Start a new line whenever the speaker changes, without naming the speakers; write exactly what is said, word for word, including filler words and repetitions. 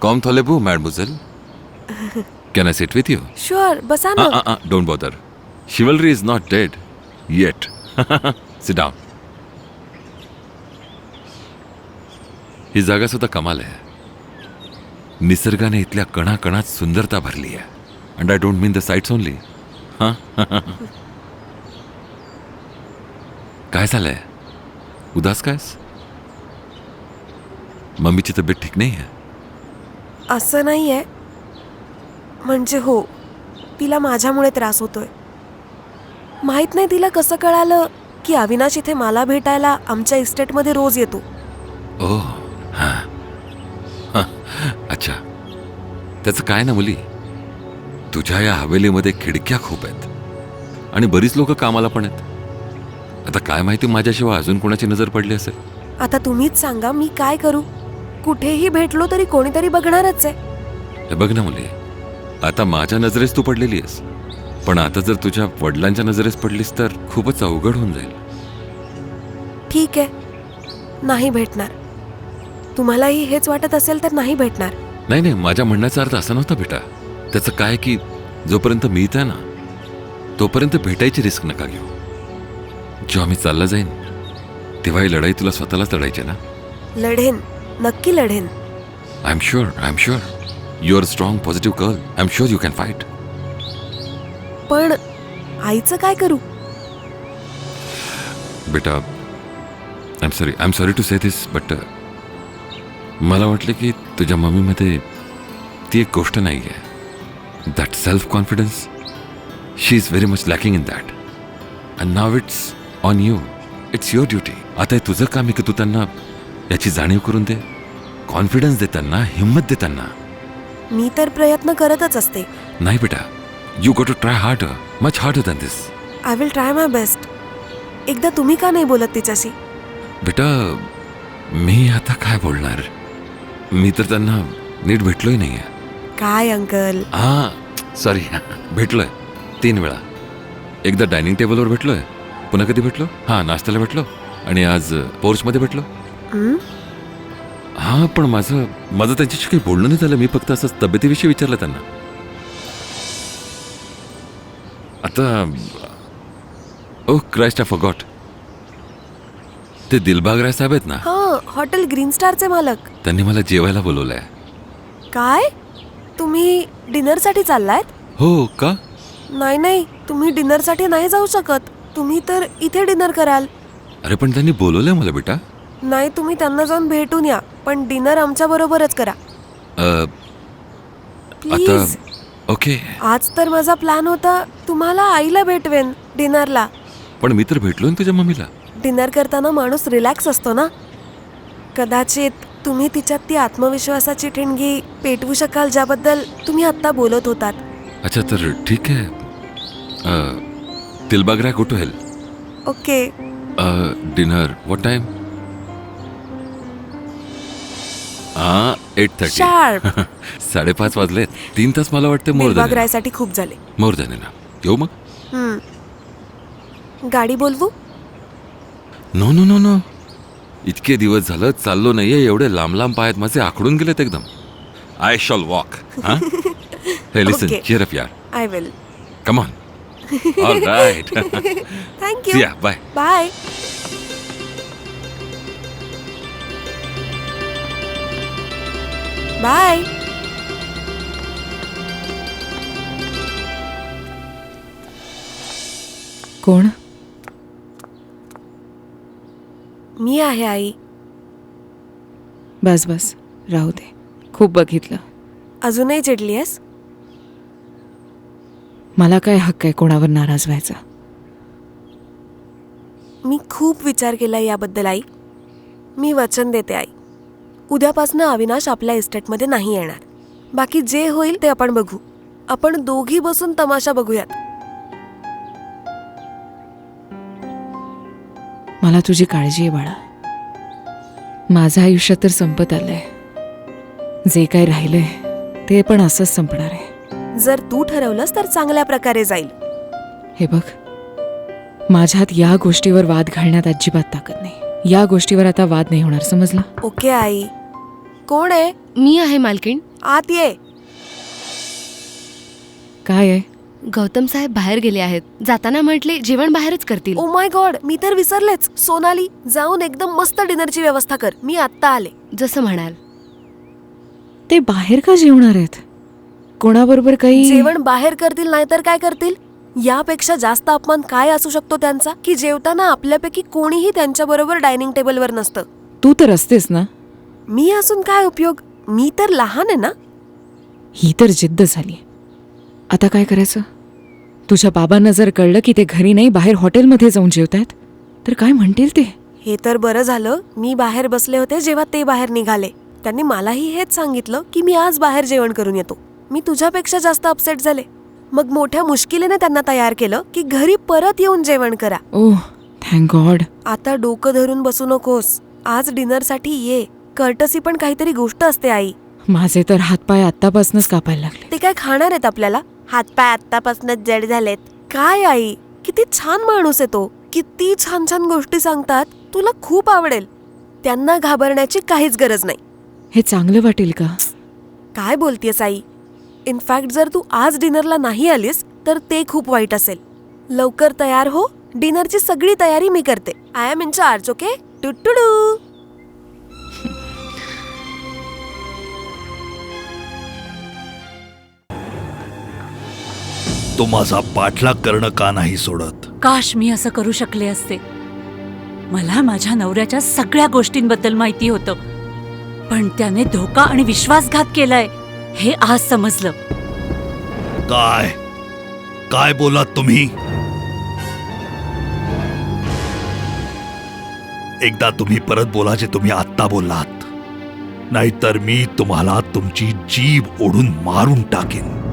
Com थॉलेबू मैडमुझेल. Can I sit with you?
Sure, बसा ना.
Uh, uh, uh, don't bother. Chivalry is not dead yet. Sit down. ही जागा सुद्धा कमाल आहे. निसर्गाने इथल्या कणाकणात सुंदरता भरली आहे. And I don't mean the sights only. हां काय झालंय? उदास कायस? मम्मीची तब्येत ठीक नाही आहे?
असं नाहीये. म्हणजे हो, तिला माझ्यामुळे त्रास होतोय. माहित नाही तिला कसं कळालं की अविनाश इथे मला भेटायला आमच्या इस्टेटमध्ये रोज येतो.
ओ हां हां अच्छा. त्याचं काय ना मुली, तुझ्या या हवेलीमध्ये खिडक्या खूप आहेत आणि बरीच लोक कामाला पण आहेत. आता काय माहिती माझ्याशिवाय अजून कोणाची नजर पडली असेल.
आता तुम्हीच सांगा मी काय करू. कुठेही भेटलो तरी कोणीतरी बघणारच आहे.
हे बघ ना मुली, आता माझ्या नजरेस तू पडलेली आहेस, पण आता जर तुझ्या वडिलांच्या नजरेस पडलीस तर खूपच अवघड होऊन जाईल.
ठीक आहे, नाही भेटणार. तुम्हालाही हेच वाटत असेल तर नाही भेटणार.
नाही नाही, माझ्या म्हणण्याचा अर्थ असा नव्हता बेटा. त्याचं काय की जोपर्यंत मी इथे आहे ना तोपर्यंत भेटायची रिस्क नका घेऊ. जेव्हा मी चालला जाईन तेव्हा ही लढाई तुला स्वतःलाच लढायची ना.
लढेन, नक्की लढेन.
I am sure I am sure you are strong positive girl. I am sure you can fight.
पण आईचं काय करू?
बेटा I am sorry I am sorry to say this but मला वाटलं की तुझ्या मम्मीमध्ये ती एक गोष्ट नाही आहे. That self confidence, she is very much lacking in that. And now it's on you. It's your duty. आता हे तुझं काम आहे की तू त्यांना याची जाणीव करून दे. कॉन्फिडन्स देताना, हिंमत देताना.
मी तर प्रयत्न करतच असते.
नाही बेटा, you go to try harder, much harder than this.
I will try my best. एकदा तुम्ही का नाही बोलत तिच्याशी?
बेटा मी आता काय बोलणार. मी तर त्यांना नीट भेटलोय नाही आहे.
काय अंकल?
हां सॉरी, भेटलोय तीन वेळा. एकदा डायनिंग टेबलवर भेटलोय, पुन्हा कधी भेटलो, हां नाश्त्याला भेटलो, आणि आज पोर्चमध्ये भेटलो. हां पण माझं माझं त्यांच्याशी काही बोलणं नाही झालं. मी फक्त असं तब्येतीविषयी विचारलं त्यांना. आता ओ क्राइस्ट आय फॉरगॉट, ते दिलबाग राय साहेब आहेत ना,
हां, हॉटेल ग्रीन स्टारचे मालक.
त्यांनी मला जेवायला बोलवलंय.
काय? तुम्ही डिनरसाठी चाललायत?
हो का?
नाही नाही, तुम्ही डिनरसाठी नाही जाऊ शकत. तुम्ही तर इथे डिनर कराल.
अरे पण त्यांनी बोलवलंय मला बेटा.
नाही, तुम्ही त्यांना जाऊन भेटून या, पण डिनर आमच्या बरोबरच करा
अ,
प्लीज.
आता ओके.
आज तर माझा प्लॅन होता तुम्हाला आईला भेटवेन डिनरला.
पण मी तर भेटलो ना तुझ्या मम्मीला.
डिनर करताना माणूस रिलॅक्स असतो ना. कदाचित तुम्ही तिच्यात ती आत्मविश्वासाची ठिणगी पेटवू शकाल ज्याबद्दल तुम्ही आत्ता बोलत होतात.
अच्छा तर ठीक आहे. Dilbagh Rai go to hell.
Okay.
Dinner what time? हां एट थर्टी.
शार्प.
साडेपाच वाजलेत. तीन तास मला वाटतं मोर
दिलबाग
झाले.
रायसाठी खूप झाले.
मोर झाले ना. येऊ मग?
हम्म. गाडी बोलवू?
नो नो नो नो, इतके दिवस झालं चाललो नाहीये. एवढे लांब लांब पायात माझे आखडून गेलेत एकदम. I shall walk. Hey listen, cheer up यार.
I will.
Come on. All right.
Thank you.
या बाय.
बाय. बाय.
कोण?
मी आहे आई.
बस बस राहू दे, खूप बघितलं.
अजूनही चिडली आहेस?
मला काय हक्क आहे कोणावर नाराज व्हायचा?
मी खूप विचार केला याबद्दल आई. मी वचन देते आई, उद्यापासून अविनाश आपल्या इस्टेटमध्ये नाही येणार. बाकी जे होईल ते आपण बघू. आपण दोघी बसून तमाशा बघूयात.
मला तुझी काळजी आहे बाळा. माझं आयुष्य तर संपत आलंय. जे काय राहिलंय ते पण असंच संपणार आहे.
जर तू ठरवलंस तर चांगल्या प्रकारे जाईल.
हे बघ, माझ्यात या गोष्टीवर वाद घालण्यात अजिबात ताकद नाही. या गोष्टीवर आता वाद नाही होणार, समजला?
ओके आई. कोण आहे?
मी आहे मालकीण.
आत ये.
काय आहे?
गौतम साहेब बाहेर गेले आहेत. जाताना म्हटले जेवण बाहेरच करतील.
ओ माय गॉड, मी तर विसरलेच. सोनाली, जाऊन एकदम मस्त डिनरची व्यवस्था कर. मी आत्ता आले.
जसं म्हणाल.
ते बाहेर का जेवणार आहेत? कोणाबरोबर काही?
जेवण बाहेर करतील नाहीतर काय करतील? यापेक्षा जास्त अपमान काय असू शकतो त्यांचा, की जेवताना आपल्यापैकी कोणीही त्यांच्या बरोबर डायनिंग टेबलवर नसतं.
तू तर असतेस ना.
मी असून काय उपयोग? मी तर लहान आहे ना.
ही तर जिद्द झाली. आता काय करायचं? तुझ्या बाबांना जर कळलं की ते घरी नाही बाहेर हॉटेलमध्ये जाऊन जेवतायत तर काय म्हणतील ते?
हे तर बरं झालं मी बाहेर बसले होते जेव्हा ते बाहेर निघाले. त्यांनी मलाही हेच सांगितलं की मी आज बाहेर जेवण करून येतो. मी तुझ्यापेक्षा जास्त अपसेट झाले. मग मोठ्या मुश्किलीने त्यांना तयार केलं की घरी परत येऊन जेवण करा.
Oh thank God.
आता डोकं धरून बसू नकोस. आज डिनरसाठी ये. कर्टसी पण काहीतरी गोष्ट असते आई.
माझे तर हातपाय आत्तापासूनच कापायला लागले.
ते काय खाणार आहेत आपल्याला? हातपाय आत्तापासूनच जड झालेत. काय आई, किती छान माणूस आहे तो. किती छान छान गोष्टी सांगतात. तुला खूप आवडेल. त्यांना घाबरण्याची काहीच गरज नाही.
हे चांगलं वाटेल का?
काय बोलतेस आई? इनफॅक्ट जर तू आज डिनरला नाही आलीस तर ते खूप वाईट असेल. लवकर तयार हो. डिनरची सगळी तयारी मी करते. I am in charge. Okay टुटुडू.
तो माझा पाठलाग करणं का नाही सोडत?
काश मी असं करू शकले असते. मला माझ्या नवऱ्याच्या सगळ्या गोष्टींबद्दल माहिती होतं, पण त्याने धोका आणि विश्वासघात केलाय हे आज समजलं.
काय काय बोलात तुम्ही? एकदा तुम्ही परत बोला जे तुम्ही आत्ता बोललात, नाहीतर मी तुम्हाला तुमची जीभ ओढून मारून टाकेन.